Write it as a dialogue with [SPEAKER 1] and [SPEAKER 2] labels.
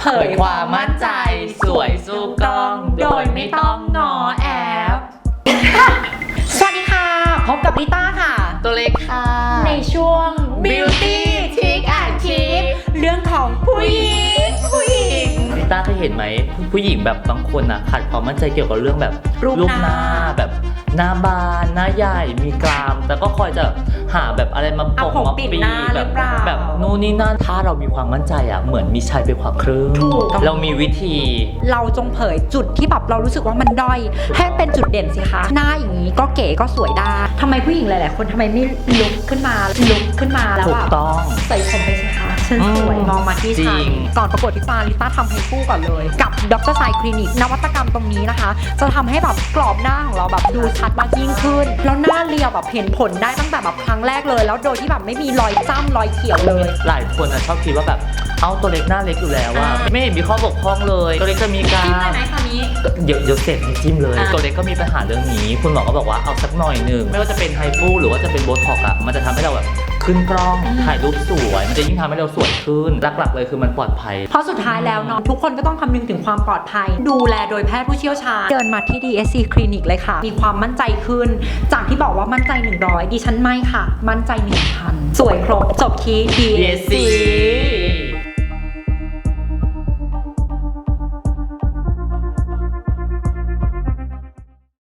[SPEAKER 1] ผยความมั่นใจสวยสู้กล้องโดยไม่ต้องงอแอบ
[SPEAKER 2] สวัสดีค่ะพบกับลิต้าค่ะ
[SPEAKER 1] ตัวเล็กค่ะ
[SPEAKER 2] ในช่วง
[SPEAKER 1] Beauty Trick and Tip
[SPEAKER 2] เรื่องของผู้หญิง
[SPEAKER 1] ลิต้าเคยเห็นไหมผู้หญิงแบบบางคนอ่ะขาดความมั่นใจเกี่ยวกับเรื่องแบบรูปหน้าแบบหน้าบานหน้าใหญ่มีกรามแต่ก็คอยจะหาแบบอะไรมาปกมาปีแบบนู่นนี่นั่นถ้าเรามีความมั่นใจอ่ะเหมือนมีชัยไปกว่าครึ่งเรามีวิธี
[SPEAKER 2] เราจงเผยจุดที่แบบเรารู้สึกว่ามันด้อยให้เป็นจุดเด่นสิคะหน้าอย่างนี้ก็เก๋ก็สวยได้ทำไมผู้หญิงหลายๆคนทำไมไม่ลุกขึ้นมาแล้ว
[SPEAKER 1] ถู
[SPEAKER 2] แบ
[SPEAKER 1] ก
[SPEAKER 2] บ
[SPEAKER 1] ต้อง
[SPEAKER 2] ใส่ชมไปสิคะฉันสวยมองมาที่ฉันก่อนประกวดที่ฟาลิต้าทำให้คู่ก่อนเลยกับดรไซคลินิกนวัตกรรมตรงนี้นะคะจะทำให้แบบกรอบหน้าของเราแบบดูชัดมากยิ่งขึ้นแล้วหน้าเรียวแบบเห็นผลได้ตั้งแต่แบบครั้งแรกเลยแล้วโดยที่แบบไม่มีรอยจ้ำรอยเขียวเลย
[SPEAKER 1] หลายคนชอบคิดว่าแบบเอาตัวเล็กหน้าเล็กอยู่แล้วว่าไม่เห็นมีข้อบกพร่องเลยตัวเล็กจะมีการ
[SPEAKER 2] จิ้มได้ไหมคราวนี้
[SPEAKER 1] เดี๋ยวเสร็จให้จิ้มเลยตัวเล็กก็มีปัญหาเรื่องนี้คุณหมอก็บอกว่าเอาสักหน่อยหนึ่งไม่ว่าจะเป็นไฮฟูหรือว่าจะเป็นโบท็อกซ์มันจะทำให้เราแบบขึ้นกล้องถ่ายรูปสวยมันจะยิ่งทำให้เราสวยขึ้นหลักๆเลยคือมันปลอดภัย
[SPEAKER 2] เพราะสุดท้ายแล้วเนาะทุกคนก็ต้องคำนึงถึงความปลอดภัยดูแลโดยแพทย์ผู้เชี่ยวชาญเดินมาที่ DSC คลินิกเลยค่ะมีความมั่นใจขึ้นจากที่บอกว่ามั่นใจ100ดิฉันไม่ค่ะมั่นใจ 1,000 สวยครบจบที่ DSC